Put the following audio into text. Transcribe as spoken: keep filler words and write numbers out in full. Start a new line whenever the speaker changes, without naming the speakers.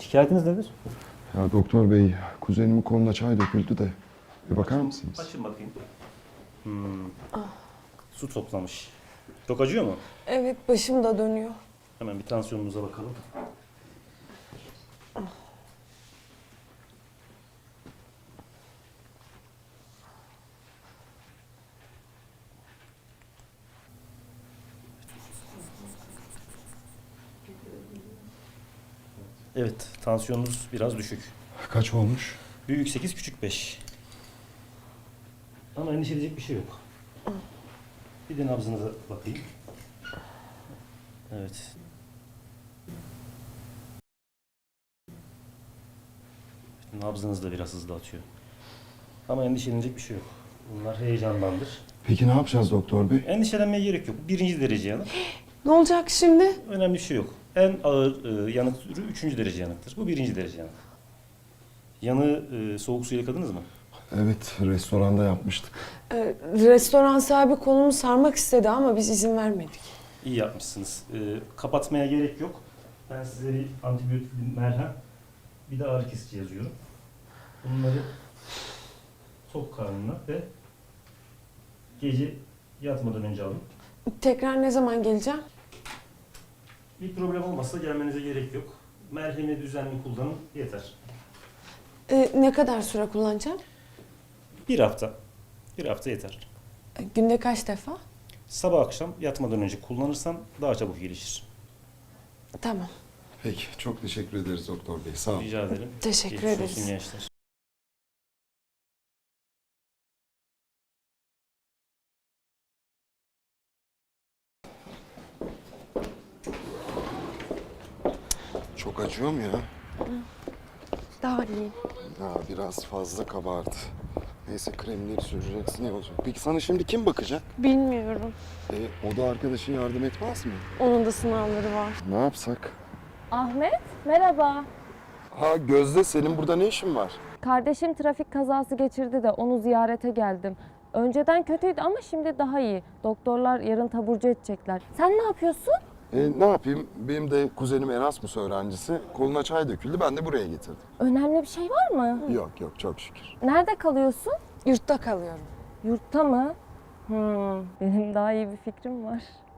Şikayetiniz nedir?
Ya doktor bey, kuzenimin koluna çay döküldü de. Bir bakar mısınız?
Açın bakayım. Hmm. Su toplamış. Çok acıyor mu?
Evet, başım da dönüyor.
Hemen bir tansiyonunuza bakalım. Evet, tansiyonunuz biraz düşük.
Kaç olmuş?
Büyük sekiz, küçük beş. Ama endişe edecek bir şey yok. Bir de nabzınıza bakayım. Evet. Nabzınız da biraz hızlı atıyor. Ama endişelenecek bir şey yok. Bunlar heyecandandır.
Peki ne yapacağız doktor bey?
Endişelenmeye gerek yok. Birinci derece yanık.
Ne olacak şimdi?
Önemli bir şey yok. En ağır e, yanık türü üçüncü derece yanıktır. Bu birinci derece yanık. Yanığı e, soğuk suyla yıkadınız mı?
Evet, restoranda yapmıştık.
Ee, restoran sahibi kolumu sarmak istedi ama biz izin vermedik.
İyi yapmışsınız. E, kapatmaya gerek yok. Ben size bir antibiyotik, bir merhem, bir de ağrı kesici yazıyorum. Bunları tok karnına ve gece yatmadan önce alın.
Tekrar ne zaman geleceğim?
Bir problem olmazsa gelmenize gerek yok. Merhemi düzenli kullanın yeter.
Ee, ne kadar süre kullanacağım?
Bir hafta. Bir hafta yeter.
Ee, günde kaç defa?
Sabah akşam yatmadan önce kullanırsan daha çabuk gelişir.
Tamam.
Peki, çok teşekkür ederiz doktor bey. Sağ olun.
Rica ederim.
Teşekkür
Geçmiş
ederiz.
olsun gençler.
Çok acıyor mu ya?
Daha iyi.
Ya biraz fazla kabardı. Neyse kremleri süreceksin iyi olacak. Peki sana şimdi kim bakacak?
Bilmiyorum.
E, o da arkadaşın yardım etmez mi?
Onun da sınavları var.
Ne yapsak?
Ahmet, merhaba.
Ha Gözde, senin burada ne işin var?
Kardeşim trafik kazası geçirdi de onu ziyarete geldim. Önceden kötüydü ama şimdi daha iyi. Doktorlar yarın taburcu edecekler. Sen ne yapıyorsun?
E, ne yapayım? Benim de kuzenim Erasmus öğrencisi. Koluna çay döküldü, ben de buraya getirdim.
Önemli bir şey var mı?
Yok yok, çok şükür.
Nerede kalıyorsun?
Yurtta kalıyorum.
Yurtta mı? Hmm, benim daha iyi bir fikrim var.